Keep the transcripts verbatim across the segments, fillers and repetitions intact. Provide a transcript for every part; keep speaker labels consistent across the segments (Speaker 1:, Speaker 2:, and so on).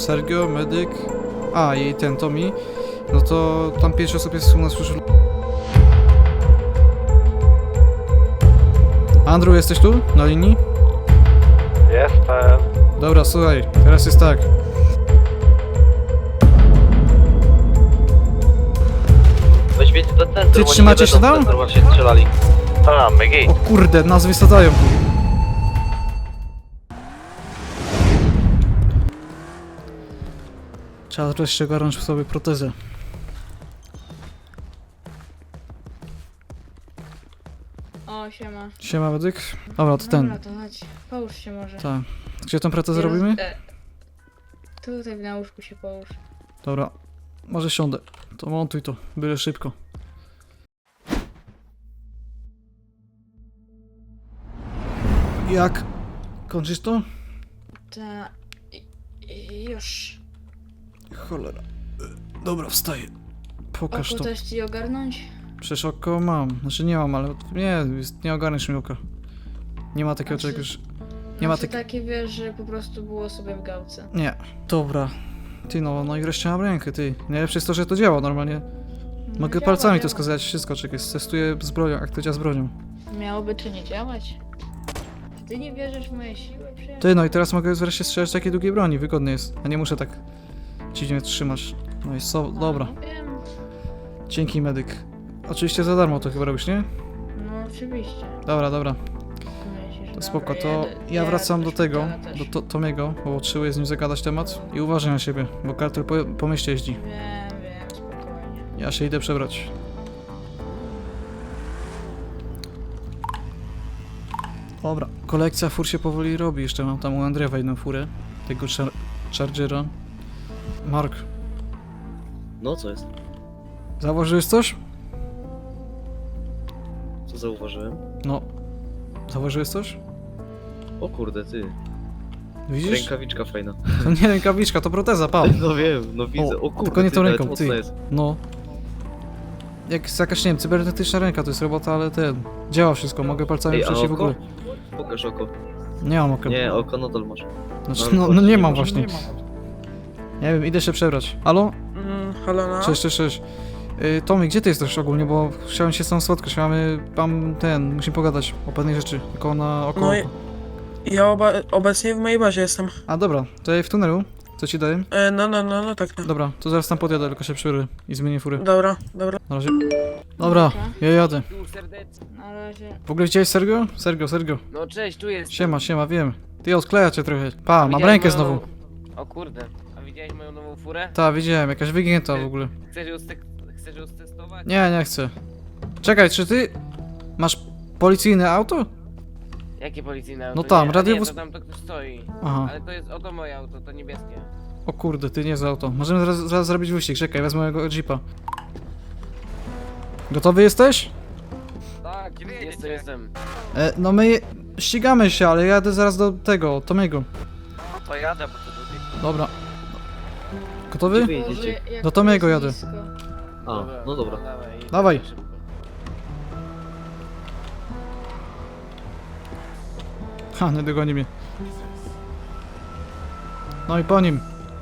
Speaker 1: Sergio, medyk, a i ten Tommy, no to tam pięć osób jest u nas już. Andrew, jesteś tu? Na linii?
Speaker 2: Jestem.
Speaker 1: Dobra, słuchaj, teraz jest tak.
Speaker 3: Weź wiedź do centrum,
Speaker 1: Ty
Speaker 3: oni
Speaker 1: trzymacie
Speaker 3: nie
Speaker 1: się
Speaker 3: będą
Speaker 1: tam?
Speaker 3: w centrum właśnie strzelali.
Speaker 2: A, Megi.
Speaker 1: O kurde, nas wysadzają. Trzeba wreszcie ogarnąć w sobie protezę.
Speaker 4: O, siema.
Speaker 1: Siema, medyk. Dobra, to ten.
Speaker 4: Dobra, to chodź. Połóż się może.
Speaker 1: Tak. Gdzie tą protezę
Speaker 4: Ja roz-
Speaker 1: robimy?
Speaker 4: e, Tutaj na łóżku się połóż.
Speaker 1: Dobra, może siądę. To montuj to, byle szybko. Jak? Kończysz to?
Speaker 4: Ta... i- i- Już.
Speaker 1: Cholera. Dobra, wstaję. Pokaż
Speaker 4: Oko
Speaker 1: to.
Speaker 4: też ci ogarnąć?
Speaker 1: Przecież oko mam. Znaczy nie mam, ale nie, jest- nie ogarniesz mi oka. Nie ma takiego
Speaker 4: Znaczy-
Speaker 1: czegoś. Nie ma
Speaker 4: Znaczy
Speaker 1: takiego.
Speaker 4: takie, wiesz, że po prostu było sobie w gałce.
Speaker 1: Nie. Dobra. Ty no, no i wreszcie mam rękę, ty. Najlepsze jest to, że to działa normalnie.
Speaker 4: No,
Speaker 1: Mogę
Speaker 4: działa,
Speaker 1: palcami to
Speaker 4: działa.
Speaker 1: skazać, wszystko, czekaj. Testuję z bronią, jak to działa z bronią.
Speaker 4: Miałoby czy nie działać? Ty nie wierzysz w moje siły, przyjaciel?
Speaker 1: Ty no i teraz mogę wreszcie strzelać takiej długiej broni, wygodnie jest. A nie muszę tak dziwnie trzymać. No i so, dobra.
Speaker 4: No, wiem.
Speaker 1: Dzięki, medyk. Oczywiście za darmo to chyba robisz, nie?
Speaker 4: No oczywiście.
Speaker 1: Dobra, dobra.
Speaker 4: Myślisz,
Speaker 1: To
Speaker 4: dobra,
Speaker 1: spoko, to
Speaker 4: jadę-
Speaker 1: ja
Speaker 4: jadę
Speaker 1: wracam do tego,
Speaker 4: szpitala też.
Speaker 1: do to, Tomiego, bo potrzebuję z nim zagadać temat. I uważaj na siebie, bo kartel po, po mieście jeździ.
Speaker 4: Wiem, wiem, spokojnie.
Speaker 1: Ja się idę przebrać. Dobra, kolekcja fur się powoli robi. Jeszcze mam tam u Andrzewa jedną furę. Tego char Chargera. Mark,
Speaker 3: No co jest?
Speaker 1: zauważyłeś coś?
Speaker 3: Co zauważyłem?
Speaker 1: No. Zauważyłeś coś?
Speaker 3: O kurde, ty.
Speaker 1: Widzisz?
Speaker 3: Rękawiczka fajna.
Speaker 1: To nie rękawiczka, to proteza, pa.
Speaker 3: No wiem, no widzę. O, kurde,
Speaker 1: tylko nie
Speaker 3: ty,
Speaker 1: tą
Speaker 3: nawet
Speaker 1: ręką,
Speaker 3: mocna
Speaker 1: ty.
Speaker 3: jest.
Speaker 1: No. Jak jest jakaś, nie wiem, cybernetyczna ręka, to jest robota, ale ten... Działa wszystko, mogę palcami
Speaker 3: Ej, a
Speaker 1: przejść i w
Speaker 3: oko?
Speaker 1: ogóle.
Speaker 3: Pokaż oko.
Speaker 1: Nie mam oka.
Speaker 3: Nie, oko nadal masz.
Speaker 1: Znaczy,
Speaker 3: no,
Speaker 1: no, no nie
Speaker 3: nie
Speaker 1: mam
Speaker 3: masz,
Speaker 1: właśnie. Nie wiem, idę się przebrać. Halo?
Speaker 5: Mm, halo, no?
Speaker 1: Cześć, cześć, cześć. Yy, Tomy, gdzie ty jesteś ogólnie, bo chciałem się z tą spotkać, mamy, mam ten, musimy pogadać o pewnej rzeczy, tylko na oko.
Speaker 5: No i- Ja oba obecnie w mojej bazie jestem.
Speaker 1: A dobra, to ja w tunelu, co ci daję?
Speaker 5: E, no, no, no, no tak. No.
Speaker 1: Dobra, to zaraz tam podjadę, tylko się przebiorę i zmienię furę.
Speaker 5: Dobra, dobra.
Speaker 1: Na razie. Dobra, ja jadę.
Speaker 6: Tu serdecznie.
Speaker 4: Na razie.
Speaker 1: W ogóle widziałeś Sergio? Sergio, Sergio.
Speaker 6: No cześć, tu jest.
Speaker 1: Siema, siema, wiem. Ty odkleja cię trochę. Pa, mam
Speaker 6: Widziałeś
Speaker 1: rękę
Speaker 6: moją
Speaker 1: znowu.
Speaker 6: nową- O kurde, a widziałeś moją nową furę?
Speaker 1: Ta, widziałem, jakaś wygięta w ogóle.
Speaker 6: Chcesz ją, stek- chcesz ją stestować?
Speaker 1: Nie, nie chcę. Czekaj, czy ty masz policyjne auto?
Speaker 6: Jakie policyjne auto?
Speaker 1: No tam,
Speaker 6: nie, a
Speaker 1: radiowóz-
Speaker 6: Nie, to tam to ktoś stoi.
Speaker 1: Aha.
Speaker 6: Ale to jest oto moje auto, to niebieskie.
Speaker 1: O kurde, ty nie za auto. Możemy zaraz, zaraz zrobić wyścig. Czekaj, wezmę mojego jeepa. Gotowy jesteś?
Speaker 6: Tak, jestem, jestem.
Speaker 1: E, no my je- ścigamy się, ale jadę zaraz do tego, Tomiego.
Speaker 6: To jadę, bo to tutaj.
Speaker 1: Dobra. Gotowy?
Speaker 3: Gdzie wy
Speaker 4: Boże,
Speaker 3: jedziecie?
Speaker 4: jak
Speaker 1: Do
Speaker 4: to
Speaker 1: Tomiego
Speaker 4: jest
Speaker 1: jadę.
Speaker 4: nisko.
Speaker 3: A, no dobra.
Speaker 6: Dawaj.
Speaker 1: Dawaj.
Speaker 6: Szybko.
Speaker 1: Ha, nie dogoni mnie. No i po nim.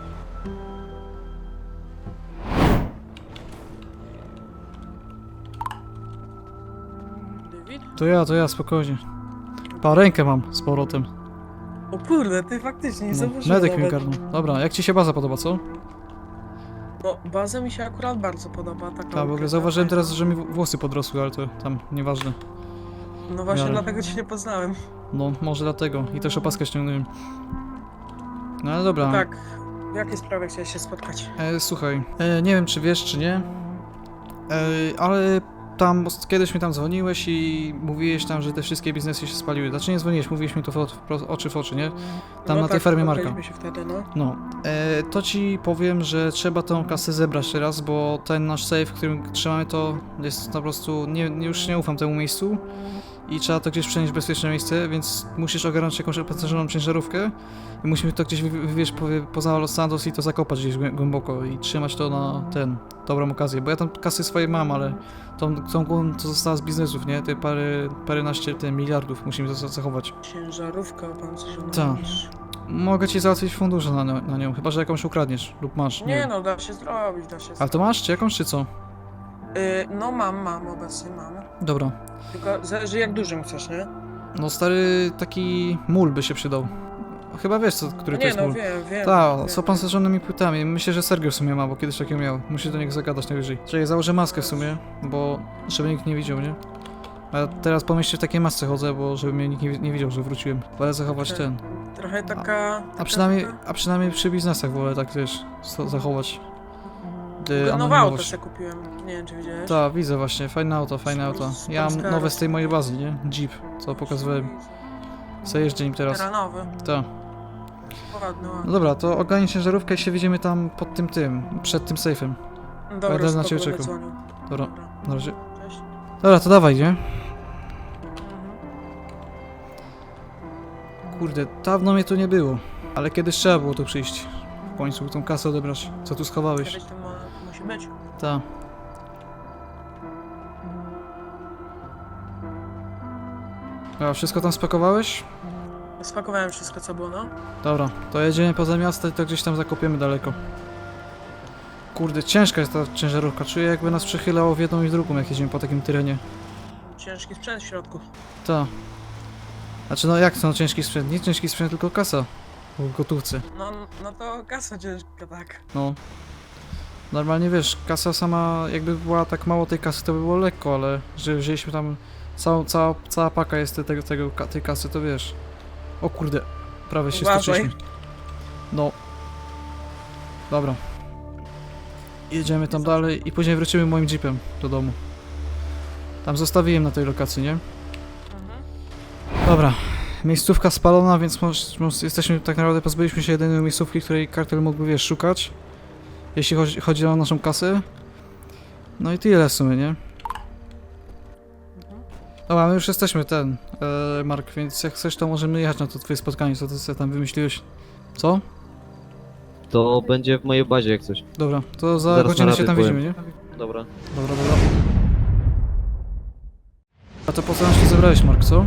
Speaker 5: David?
Speaker 1: To ja, to ja, spokojnie. Pa, rękę mam z powrotem.
Speaker 5: O kurde, ty faktycznie nie
Speaker 1: No,
Speaker 5: zauważyłem
Speaker 1: medyk mi
Speaker 5: nawet.
Speaker 1: ogarnął. Dobra, jak ci się baza podoba, co?
Speaker 5: No, baza mi się akurat bardzo podoba. Taka
Speaker 1: Tak, w ogóle
Speaker 5: ukryta,
Speaker 1: zauważyłem
Speaker 5: fajna.
Speaker 1: teraz, że mi włosy podrosły, ale to tam nieważne.
Speaker 5: No właśnie
Speaker 1: miarę.
Speaker 5: dlatego cię nie poznałem.
Speaker 1: No, może dlatego. I też opaskę ściągnąłem. No ale dobra.
Speaker 5: Tak. W jakiej sprawie chciałeś się spotkać?
Speaker 1: E, słuchaj, e, nie wiem czy wiesz czy nie, e, ale tam os- kiedyś mi tam dzwoniłeś i mówiłeś tam, że te wszystkie biznesy się spaliły. Znaczy nie dzwoniłeś, mówiłeś mi to w, w, oczy w oczy, nie? Tam
Speaker 5: no
Speaker 1: na tej
Speaker 5: tak,
Speaker 1: fermie Marka.
Speaker 5: spotkaliśmy się wtedy, no.
Speaker 1: No, e, to ci powiem, że trzeba tą kasę zebrać teraz, bo ten nasz safe, w którym trzymamy to jest po prostu, nie, nie- już nie ufam temu miejscu i trzeba to gdzieś przenieść w bezpieczne miejsce, więc musisz ogarnąć jakąś opancerzoną ciężarówkę i musimy to gdzieś wy- wywieźć po, poza Los Santos i to zakopać gdzieś głę- głęboko i trzymać to na ten, dobrą okazję, bo ja tam kasy swoje mam, ale tą, tą głową to została z biznesów, nie? Te parę, paręnaście te miliardów musimy za- zachować.
Speaker 5: Ciężarówka opancerzona.
Speaker 1: Tak.
Speaker 5: mówisz.
Speaker 1: mogę ci załatwić fundusze na, nią- na nią, chyba że jakąś ukradniesz lub masz. Nie,
Speaker 5: Nie
Speaker 1: wiem.
Speaker 5: no, da się zrobić, da się
Speaker 1: Ale
Speaker 5: zrobić.
Speaker 1: to masz, czy jakąś, czy co?
Speaker 5: Y, no mam, mam, obecnie mam.
Speaker 1: Dobra.
Speaker 5: Tylko zależy jak dużym chcesz, nie?
Speaker 1: No stary, taki mól by się przydał. Chyba wiesz, co, który to
Speaker 5: Nie
Speaker 1: jest
Speaker 5: no,
Speaker 1: mól.
Speaker 5: wiem, wiem.
Speaker 1: Tak,
Speaker 5: wiem,
Speaker 1: z
Speaker 5: wiem.
Speaker 1: opancerzonymi płytami. Myślę, że Sergio w sumie ma, bo kiedyś takiego miał. Musi do niego zagadać najwyżej. Czyli założę maskę w sumie, bo żeby nikt nie widział, nie? A ja teraz po mieście w takiej masce chodzę, bo żeby mnie nikt nie, nie widział, że wróciłem. Wolę zachować
Speaker 5: Okej.
Speaker 1: ten.
Speaker 5: Trochę taka...
Speaker 1: A
Speaker 5: taka-
Speaker 1: przynajmniej,
Speaker 5: taka-
Speaker 1: a przynajmniej przy biznesach wolę tak wiesz, so- zachować. Yy,
Speaker 5: Nowe auto
Speaker 1: anonimowość.
Speaker 5: sobie kupiłem, nie wiem czy widziałeś.
Speaker 1: Tak, widzę właśnie, fajne auto, fajne auto.
Speaker 5: Z- z
Speaker 1: Ja mam
Speaker 5: Polska
Speaker 1: nowe z tej
Speaker 5: roz-
Speaker 1: mojej bazy, nie? Jeep, co pokazywałem. Co jeżdżę nim teraz.
Speaker 5: Teraz nowy,
Speaker 1: Tak.
Speaker 5: ładny,
Speaker 1: No
Speaker 5: ładny.
Speaker 1: dobra, to ogarnij ciężarówkę i się widzimy tam pod tym tym, przed tym sejfem.
Speaker 5: Dobra,
Speaker 1: będę na
Speaker 5: spoko,
Speaker 1: ciebie
Speaker 5: będę
Speaker 1: czekał.
Speaker 5: dzwonił.
Speaker 1: Dobra, na razie.
Speaker 5: Cześć.
Speaker 1: Dobra, to dawaj, nie?
Speaker 5: Mhm.
Speaker 1: Kurde, dawno mnie tu nie było. Ale kiedyś trzeba było tu przyjść. W końcu tą kasę odebrać. Co tu schowałeś?
Speaker 5: Kiedyś to mu- musi być.
Speaker 1: Ta. A wszystko tam spakowałeś?
Speaker 5: Spakowałem wszystko co było, no.
Speaker 1: Dobra, to jedziemy poza miasto i to gdzieś tam zakopiemy daleko. Kurde, ciężka jest ta ciężarówka. Czuję jakby nas przechylało w jedną i w drugą, jak jedziemy po takim terenie.
Speaker 5: Ciężki sprzęt w środku.
Speaker 1: Ta. Znaczy no jak to no, ciężki sprzęt? Nie ciężki sprzęt, tylko kasa. W gotówce.
Speaker 5: No, no to kasa ciężka, tak.
Speaker 1: No. Normalnie wiesz, kasa sama, jakby była tak mało tej kasy, to by było lekko, ale że wzięliśmy tam całą, cała, cała paka jest tego, tego, ka- tej kasy, to wiesz. O kurde, prawie się
Speaker 5: Uważaj.
Speaker 1: stoczyliśmy. No. Dobra. Jedziemy tam dalej i później wrócimy moim jeepem do domu. Tam zostawiłem na tej lokacji, nie?
Speaker 5: Mhm.
Speaker 1: Dobra. Miejscówka spalona, więc moż, moż, jesteśmy, tak naprawdę pozbyliśmy się jedynej miejscówki, której kartel mógłby, wiesz, szukać. Jeśli chodzi, chodzi o naszą kasę. No i tyle w sumie, nie? Dobra, my już jesteśmy ten, e, Mark, więc jak chcesz, to możemy jechać na to twoje spotkanie, co ty sobie tam wymyśliłeś. Co?
Speaker 3: To będzie w mojej bazie jak coś.
Speaker 1: Dobra, to za
Speaker 3: Zaraz na
Speaker 1: godzinę się
Speaker 3: rady
Speaker 1: tam
Speaker 3: powiem.
Speaker 1: widzimy, nie?
Speaker 3: Dobra.
Speaker 1: Dobra, dobra. A to po co nas tu zebrałeś, Mark, co?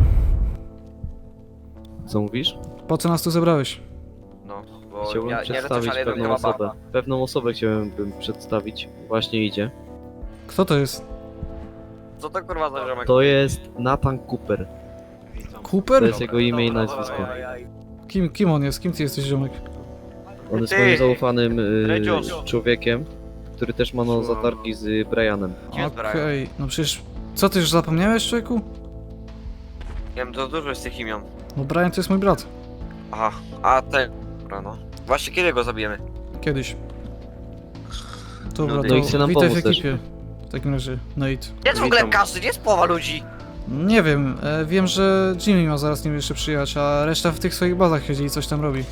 Speaker 3: Co mówisz?
Speaker 1: Po co nas tu zebrałeś?
Speaker 6: No, bo
Speaker 3: Chciałbym
Speaker 6: ja, nie
Speaker 3: przedstawić
Speaker 6: ale to
Speaker 3: pewną
Speaker 6: chyba
Speaker 3: osobę.
Speaker 6: baba.
Speaker 3: Pewną osobę chciałem przedstawić. Właśnie idzie.
Speaker 1: Kto to jest?
Speaker 6: Co to kurwa za ziomek?
Speaker 3: To jest Nathan Cooper. To
Speaker 1: Cooper?
Speaker 3: jest jego imię i nazwisko.
Speaker 1: Kim, kim on jest? Kim ty jesteś, ziomek?
Speaker 3: On jest
Speaker 6: Ty!
Speaker 3: moim zaufanym y,
Speaker 6: Redzios.
Speaker 3: człowiekiem, który też ma no zatargi z Brianem.
Speaker 6: Kim jest Brian?
Speaker 1: Okej, no przecież... Co, ty już zapomniałeś, człowieku?
Speaker 6: Nie wiem, to dużo jest tych imion.
Speaker 1: No Brian to jest mój brat.
Speaker 6: Aha, a ten. Dobra, no. Właśnie kiedy go zabijemy?
Speaker 1: Kiedyś. Dobra,
Speaker 6: No
Speaker 1: to
Speaker 3: i chce nam
Speaker 1: witaj w
Speaker 3: pomóc też.
Speaker 1: ekipie. W takim razie, Nate.
Speaker 6: Jest w ogóle kasy, gdzie jest połowa ludzi?
Speaker 1: Nie wiem, e, wiem, że Jimmy ma zaraz nim jeszcze przyjechać, a reszta w tych swoich bazach siedzi i coś tam robi.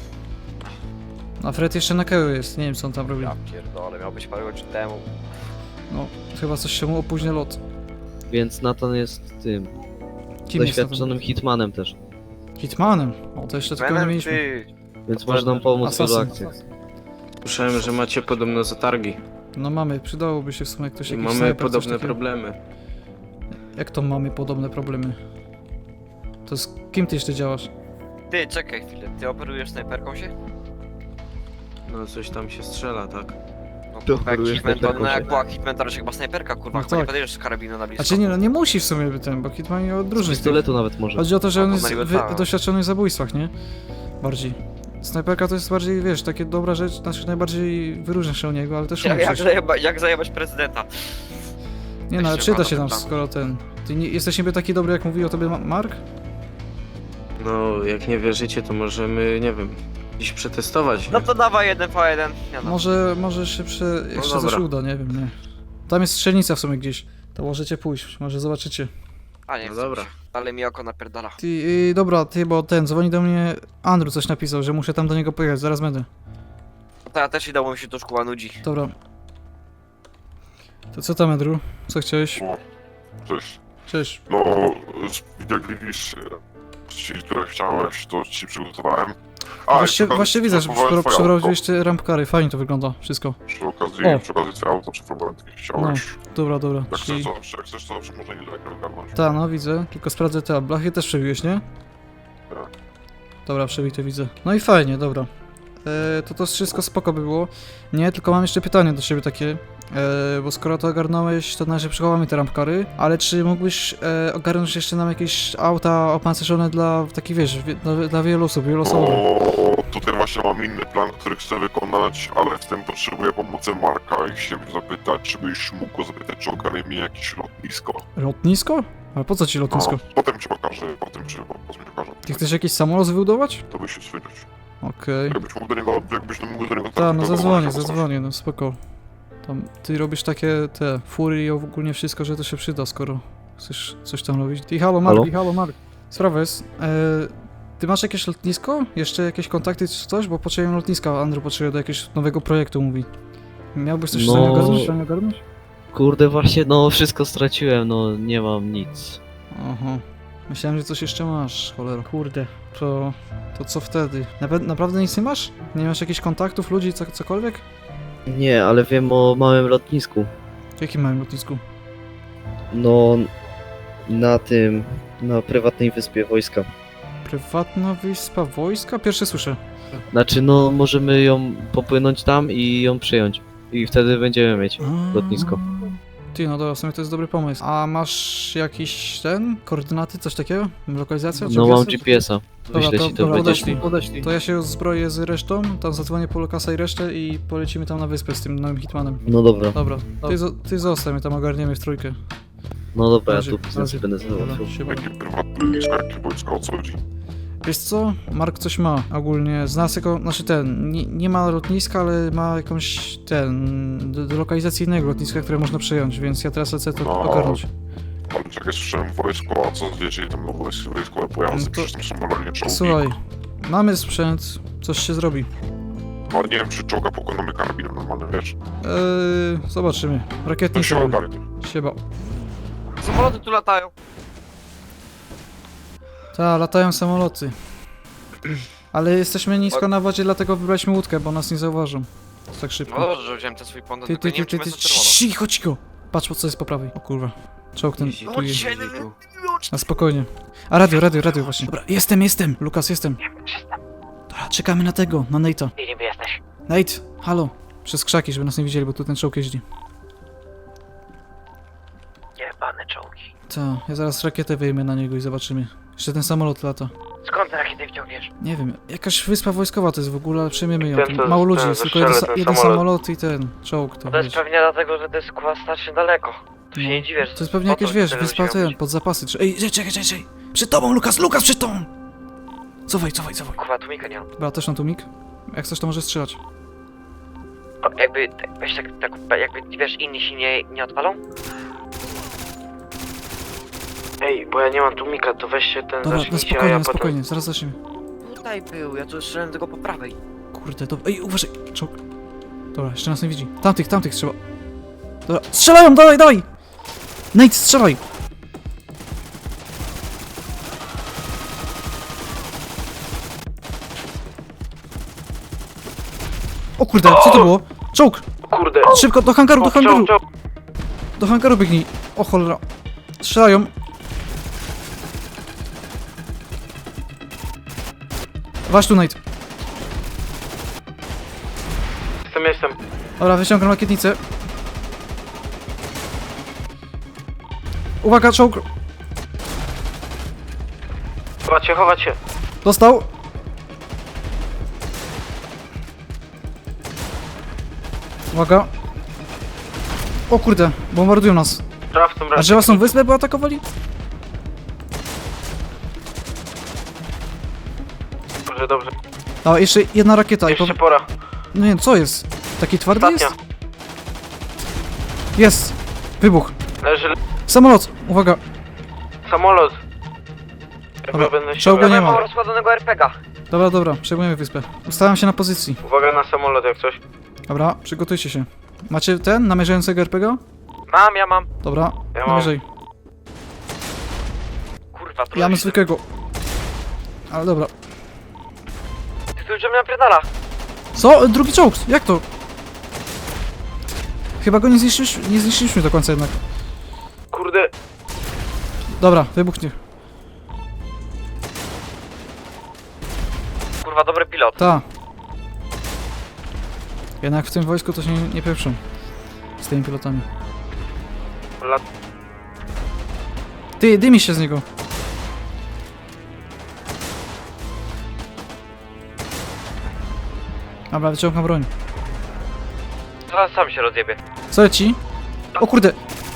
Speaker 1: A Fred jeszcze na keły jest, nie wiem co on tam robi.
Speaker 6: Ja pierdolę, miał być parę godzin temu.
Speaker 1: No, chyba coś się mu opóźnia lot.
Speaker 3: Więc Nathan jest tym
Speaker 1: Kim jest
Speaker 3: doświadczonym hitmanem też.
Speaker 1: ten? Hitmanem? O, to jeszcze tylko nie
Speaker 6: Menem,
Speaker 1: mieliśmy.
Speaker 6: ty.
Speaker 3: Więc może nam pomóc w wielu
Speaker 1: Assassin.
Speaker 3: akcjach.
Speaker 7: Słyszałem, że macie podobne zatargi
Speaker 1: No mamy, przydałoby się w sumie ktoś
Speaker 7: i
Speaker 1: jakiś
Speaker 7: mamy
Speaker 1: snajper, coś
Speaker 7: podobne
Speaker 1: takiego.
Speaker 7: problemy.
Speaker 1: Jak to mamy podobne problemy? To z kim ty jeszcze działasz?
Speaker 6: Ty, czekaj chwilę, ty operujesz snajperką się?
Speaker 7: No coś tam się strzela, tak?
Speaker 6: No
Speaker 3: Ty
Speaker 6: kurwa, jak
Speaker 3: operujesz
Speaker 6: Hitman, to,
Speaker 3: snajperką
Speaker 6: no
Speaker 3: się.
Speaker 6: jak była Hitman, to raczej chyba snajperka, kurwa,
Speaker 1: No
Speaker 6: chyba nie
Speaker 1: tak.
Speaker 6: podejdziesz z karabinu na blisko.
Speaker 1: Znaczy nie, no nie musi w sumie być ten, bo Hitman nie
Speaker 3: Z
Speaker 1: odróżni.
Speaker 3: pistoletu nawet może.
Speaker 1: Chodzi o to, że
Speaker 6: No
Speaker 1: on
Speaker 6: to
Speaker 1: jest
Speaker 6: na niby
Speaker 1: wy,
Speaker 6: tak.
Speaker 1: doświadczony w zabójstwach, nie? Bardziej. Snajperka to jest bardziej, wiesz, takie dobra rzecz, znaczy najbardziej wyróżnia się od niego, ale też
Speaker 6: Jak,
Speaker 1: umie
Speaker 6: jak,
Speaker 1: przecież.
Speaker 6: zajeba, jak zajebać prezydenta?
Speaker 1: Nie no, ale
Speaker 6: się
Speaker 1: przyda
Speaker 6: pada
Speaker 1: się tam
Speaker 6: tam.
Speaker 1: skoro ten... Ty nie, jesteś niby taki dobry, jak mówił o tobie Ma- Mark?
Speaker 7: No, jak nie wierzycie, to możemy, nie wiem, dziś przetestować.
Speaker 6: No to dawaj jeden po jeden. Nie no.
Speaker 1: Może, może się prze... jeszcze coś
Speaker 7: dobra.
Speaker 1: uda, nie wiem, nie. Tam jest strzelnica w sumie gdzieś. To możecie pójść, może zobaczycie.
Speaker 6: A nie,
Speaker 7: No
Speaker 6: chcę
Speaker 7: dobra.
Speaker 6: mi się. Ale mi oko napierdala.
Speaker 1: Ty, yy, dobra, ty, bo ten, dzwoni do mnie Andrew coś napisał, że muszę tam do niego pojechać, zaraz będę.
Speaker 6: No to ja też idę, bo mi się to szkoła nudzi.
Speaker 1: Dobra. To co tam, Andrew? Co chciałeś?
Speaker 8: O, cześć.
Speaker 1: Cześć.
Speaker 8: No, jak widzisz, ci, które chciałeś, to ci przygotowałem. A,
Speaker 1: Właśnie,
Speaker 8: i przy-
Speaker 1: właśnie widzę, że
Speaker 8: przygotowałem
Speaker 1: przepro-
Speaker 8: twoje
Speaker 1: przeprowadziłeś te rampkary, fajnie to wygląda, wszystko.
Speaker 8: auto. Przy okazji,
Speaker 1: O.
Speaker 8: przy okazji twoje auto przepróbowałem, takie chciałeś.
Speaker 1: Dobra, dobra,
Speaker 8: Jak
Speaker 1: czyli...
Speaker 8: chcesz, to, jak chcesz, to zawsze można niedaleko ogarnąć.
Speaker 1: Ta, no widzę, tylko sprawdzę te, a blachy też przebiłeś, nie?
Speaker 8: Tak.
Speaker 1: Dobra, przebite widzę. No i fajnie, dobra. E, to to wszystko spoko by było. Nie, tylko mam jeszcze pytanie do ciebie takie. E, bo skoro to ogarnąłeś, to na razie przechowamy te rampkary, ale czy mógłbyś e, ogarnąć jeszcze nam jakieś auta opancerzone dla takich, wiesz, wie, dla, dla wielu osób, wieloosobowych?
Speaker 8: No, tutaj właśnie mam inny plan, który chcę wykonać, ale w tym potrzebuję pomocy Marka i chciałem zapytać, czy byś mógł go zapytać, czy ogarnie mi jakieś lotnisko.
Speaker 1: Lotnisko? Ale po co ci lotnisko?
Speaker 8: No, potem ci pokażę, potem ci, potem ci pokażę.
Speaker 1: Ty chcesz jakiś samolot wybudować?
Speaker 8: To byś się słyszeć.
Speaker 1: Okej.
Speaker 8: Jakbyś mógł do niego, jakbyś mógł do niego...
Speaker 1: Tak, no
Speaker 8: to
Speaker 1: zadzwonię,
Speaker 8: zobaczysz.
Speaker 1: zadzwonię, no spoko. Tam, ty robisz takie, te, fury i ogólnie wszystko, że to się przyda, skoro chcesz coś tam robić. Ty, halo Mark,
Speaker 3: Halo?
Speaker 1: ty, halo Mark. Sprawa jest, e, ty masz jakieś lotnisko? Jeszcze jakieś kontakty czy coś? Bo potrzebuję lotniska, Andrew potrzebuje do jakiegoś nowego projektu, mówi. Miałbyś coś w
Speaker 3: No.
Speaker 1: stanie ogarnąć? W stanie ogarnąć?
Speaker 3: Kurde, właśnie, no wszystko straciłem, no nie mam nic.
Speaker 1: Aha. Myślałem, że coś jeszcze masz, cholera. Kurde, to, to co wtedy? Nape- naprawdę nic nie masz? Nie masz jakichś kontaktów, ludzi, co, cokolwiek?
Speaker 3: Nie, ale wiem o małym lotnisku.
Speaker 1: W jakim małym lotnisku?
Speaker 3: No, na tym, na prywatnej wyspie wojska.
Speaker 1: Prywatna wyspa wojska? Pierwsze słyszę.
Speaker 3: Znaczy, no możemy ją popłynąć tam i ją przyjąć. I wtedy będziemy mieć
Speaker 1: A.
Speaker 3: lotnisko.
Speaker 1: Ty, no dobra, w sumie to jest dobry pomysł. A masz jakiś ten? Koordynaty, coś takiego? Lokalizacja?
Speaker 3: No mam
Speaker 1: G P S?
Speaker 3: G P S-a.
Speaker 1: Dobra,
Speaker 3: Wyślę
Speaker 1: to-
Speaker 3: ci to
Speaker 1: dobra,
Speaker 3: będziesz
Speaker 1: podeślij.
Speaker 3: mi.
Speaker 1: Podeślij. To ja się zbroję z resztą, tam zadzwonię po Lukasa i resztę i polecimy tam na wyspę z tym nowym Hitmanem.
Speaker 3: No dobra,
Speaker 1: Dobra, ty, zo- ty zostań, my tam ogarniemy w trójkę.
Speaker 3: no dobra, ja
Speaker 1: Razie-
Speaker 3: tu biznes
Speaker 1: razie-
Speaker 3: będę
Speaker 1: Dobra,
Speaker 3: załatwiał.
Speaker 1: siema.
Speaker 8: Jakie prywatne lotnisko, jakie wojska, o co chodzi?
Speaker 1: Wiesz co? Mark coś ma ogólnie. Z nas jako, znaczy ten, nie, nie ma lotniska, ale ma jakąś ten, do, do lokalizacji innego lotniska, które można przejąć, więc ja teraz lecę to
Speaker 8: No.
Speaker 1: ogarnąć.
Speaker 8: Ale czekaj, słyszałem wojsko, a co wiecie, tam no wojsko, wojskowe pojazdy,
Speaker 1: No to-
Speaker 8: przecież tam są normalnie czołgi.
Speaker 1: Słuchaj, mamy sprzęt, coś się zrobi.
Speaker 8: No nie wiem, czy czołga pokonamy karabinem normalnym, wiesz?
Speaker 1: Eee, zobaczymy.
Speaker 8: To
Speaker 1: Rakietnik
Speaker 8: się
Speaker 1: sobie.
Speaker 8: ogarnie.
Speaker 1: Sieba.
Speaker 6: Samoloty tu latają.
Speaker 1: Ta, latają samoloty. Ale jesteśmy nisko na wodzie, dlatego wybraliśmy łódkę, bo nas nie zauważą. Tak
Speaker 6: No
Speaker 1: szybko.
Speaker 6: dobrze, że wziąłem ten swój pąd,
Speaker 1: Ty,
Speaker 6: tylko
Speaker 1: ty,
Speaker 6: nie
Speaker 1: ty,
Speaker 6: wiem,
Speaker 1: ty,
Speaker 6: czy
Speaker 1: ty,
Speaker 6: jest czerwono.
Speaker 1: cicho, cicho. Patrz, co jest po prawej. O kurwa. Czołg ten
Speaker 7: Jeździ
Speaker 1: tu
Speaker 7: tu,
Speaker 1: jeździ.
Speaker 7: jeździ tu.
Speaker 1: Na spokojnie. A radio, radio, radio właśnie. Dobra, jestem, jestem. Lukas, jestem. Dobra, czekamy na tego, na Nate'a.
Speaker 2: Gdzie niby jesteś?
Speaker 1: Nate, halo. Przez krzaki, żeby nas nie widzieli, bo tu ten czołg jeździ.
Speaker 2: Jebane czołgi.
Speaker 1: Ta, ja zaraz rakietę wyjmę na niego i zobaczymy. Jeszcze ten samolot lata.
Speaker 2: Skąd te rakiety wciągniesz?
Speaker 1: Nie wiem, jakaś wyspa wojskowa to jest w ogóle, ale przejmiemy ją.
Speaker 7: Ten,
Speaker 1: Tu
Speaker 7: co-
Speaker 1: mało ludzi
Speaker 7: ten,
Speaker 1: jest,
Speaker 7: co
Speaker 1: tylko jeden,
Speaker 7: strzela,
Speaker 1: sa-
Speaker 7: ten
Speaker 1: jeden
Speaker 7: samolot.
Speaker 1: samolot i ten czołg. To,
Speaker 2: To jest
Speaker 1: wiesz.
Speaker 2: pewnie dlatego, że to jest kurwa strasznie daleko. Tu się
Speaker 1: No.
Speaker 2: nie dziwię, że...
Speaker 1: To jest pewnie
Speaker 2: po co
Speaker 1: jakieś, wiesz,
Speaker 2: tyle
Speaker 1: wyspa
Speaker 2: ludzi
Speaker 1: ten,
Speaker 2: robić?
Speaker 1: pod zapasy. Czy- Ej, czekaj, czekaj, czekaj! Przed tobą, Lukas, Lukas, przed tobą! Cofaj, cofaj, cofaj.
Speaker 2: Kurwa, tłumika nie mam.
Speaker 1: Dobra, też na tumik. Jak chcesz, to możesz strzelać.
Speaker 2: O, jakby, tak, weź tak, tak, jakby, wiesz, inni się nie, nie odpalą?
Speaker 7: Ej, bo ja nie mam tłumika, to weźcie ten
Speaker 1: Dobra, na
Speaker 7: zacznijcie, a
Speaker 1: spokojnie,
Speaker 7: ja
Speaker 1: na
Speaker 7: potem...
Speaker 1: spokojnie, zaraz zaczniemy.
Speaker 6: Tutaj był, ja tu strzelałem tego po prawej.
Speaker 1: Kurde, to... Ej, uważaj! Czołg. Dobra, jeszcze nas nie widzi. Tamtych, tamtych trzeba. Dobra, strzelają, dawaj, dawaj! Nate, strzelaj! O kurde, co to było? Czołg!
Speaker 7: Kurde,
Speaker 1: Szybko, do hangaru, do
Speaker 7: o,
Speaker 1: hangaru!
Speaker 7: czołg, czołg.
Speaker 1: Do hangaru biegnij! O cholera! Strzelają! Wasz tu, Nate.
Speaker 7: Jestem, jestem.
Speaker 1: Dobra, wyciągam rakietnicę. Uwaga, czołg!
Speaker 7: Chować się, chować się.
Speaker 1: Dostał! Uwaga! O kurde, bombardują nas.
Speaker 7: Sprawcą
Speaker 1: A drzewa są wyspę, by atakowali?
Speaker 7: Dobrze, dobrze.
Speaker 1: A, jeszcze jedna rakieta i po...
Speaker 7: Jeszcze pora.
Speaker 1: No nie, co jest? Taki twardy
Speaker 7: Ostatnia.
Speaker 1: jest? Jest! Wybuch!
Speaker 7: Leży
Speaker 1: Samolot! Uwaga!
Speaker 7: samolot. Ja
Speaker 1: Dobra,
Speaker 7: będę
Speaker 1: czołga
Speaker 7: ściągał.
Speaker 1: nie ma.
Speaker 2: Mam rozkładanego er pe ga.
Speaker 1: Dobra, dobra, przejmujemy wyspę. Ustawiam się na pozycji.
Speaker 7: Uwaga na samolot jak coś.
Speaker 1: Dobra, przygotujcie się. Macie ten, namierzającego er pe ga?
Speaker 2: Mam, ja mam.
Speaker 1: Dobra,
Speaker 7: Ja mam.
Speaker 1: namierzaj.
Speaker 2: Kurwa, tu
Speaker 1: Ja mam zwykłego. Ale dobra.
Speaker 2: Ty tu już mnie napierdala.
Speaker 1: Co? Drugi czołg! Jak to? Chyba go nie zniszczyliśmy, nie zniszczyliśmy do końca jednak.
Speaker 7: Kurde,
Speaker 1: Dobra, wybuchnie.
Speaker 2: kurwa, dobry pilot.
Speaker 1: Ta. Jednak w tym wojsku to się nie, nie pieprzą. Z tymi pilotami.
Speaker 7: Lat...
Speaker 1: Ty, dymi się z niego. Dobra, wyciągam broń.
Speaker 2: Zaraz sam się rozjebie.
Speaker 1: Co leci? O kurde!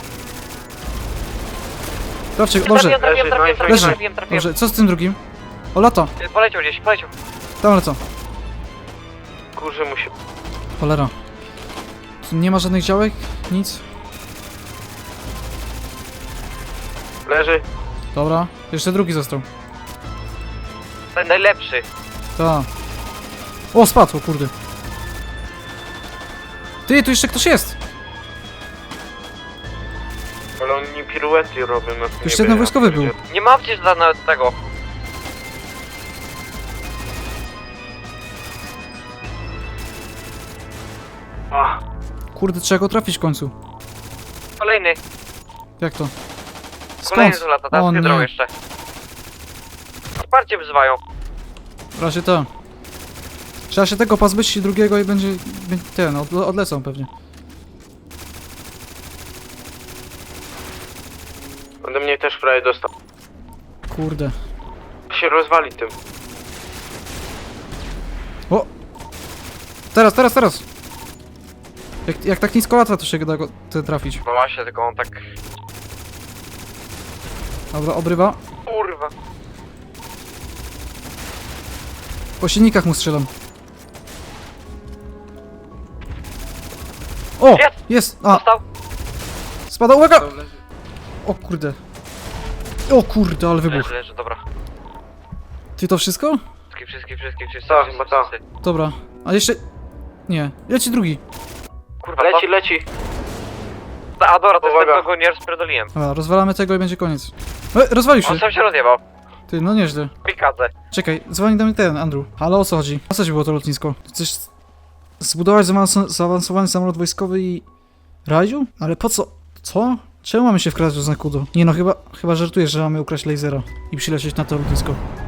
Speaker 1: Trafcie, dobrze,
Speaker 2: Trafiłem, trafiłem, trafiłem,
Speaker 1: Leży.
Speaker 2: trafiłem, trafiłem, trafiłem.
Speaker 1: dobrze. Co z tym drugim? O, lata.
Speaker 2: Y, Poleciał gdzieś, poleciał.
Speaker 1: Tam lecą.
Speaker 7: Kurze musi...
Speaker 1: Cholera. Tu nie ma żadnych działek? Nic?
Speaker 7: Leży.
Speaker 1: Dobra. Jeszcze drugi został.
Speaker 2: Ten najlepszy.
Speaker 1: Ta. O, spadł, o kurde. Ty, tu jeszcze ktoś jest!
Speaker 7: Ale oni piruety robią na tym
Speaker 1: jeszcze jeden wojskowy był.
Speaker 2: Nie mam przecież za nawet tego.
Speaker 7: A,
Speaker 1: Kurde, trzeba go trafić w końcu.
Speaker 2: Kolejny.
Speaker 1: Jak to?
Speaker 2: Kolejny
Speaker 1: Skąd?
Speaker 2: z lata, teraz
Speaker 1: O
Speaker 2: hydrą
Speaker 1: nie.
Speaker 2: jeszcze. Wsparcie wzywają.
Speaker 1: W razie to. Trzeba się tego pozbyć i drugiego i będzie... będzie ten, odle odlecą pewnie.
Speaker 7: ode mnie też prawie dostał.
Speaker 1: Kurde.
Speaker 7: Się rozwali tym.
Speaker 1: O! Teraz, teraz, teraz! Jak, jak tak nisko lata, to się da go ten trafić.
Speaker 2: No właśnie, tylko on tak...
Speaker 1: Dobra, obrywa.
Speaker 2: Kurwa.
Speaker 1: Po silnikach mu strzelam. O!
Speaker 2: Jest!
Speaker 1: Jest! A!
Speaker 2: Dostał?
Speaker 1: Spada, uwaga! O kurde. O kurde, ale wybuch.
Speaker 2: Leży, leży, dobra.
Speaker 1: Ty to wszystko?
Speaker 2: Wszystkie, wszystkie, wszystkie, wszystkie,
Speaker 7: Tak,
Speaker 2: wszystkie,
Speaker 7: chyba tak.
Speaker 2: wszyscy.
Speaker 1: Dobra. A jeszcze... Nie. Leci drugi.
Speaker 2: Kurwa,
Speaker 7: Leci,
Speaker 2: to...
Speaker 7: leci.
Speaker 2: A dobra, to jest
Speaker 7: Uwaga.
Speaker 2: ten, kogo nie rozpierdoliłem.
Speaker 1: Dobra, rozwalamy tego i będzie koniec. E, rozwalił się.
Speaker 2: On sam się rozjebał.
Speaker 1: Ty, no nieźle.
Speaker 2: Pikadze.
Speaker 1: Czekaj, dzwoni do mnie ten, Andrew. Ale o co chodzi? O co ci było to lotnisko? Chcesz zbudować zaawanso zaawansowany samolot wojskowy i... Raju? Ale po co? Co? Czemu mamy się wkradać do znaku do? Nie no, chyba, chyba żartujesz, że mamy ukraść lasera i przylecieć na to lotnisko.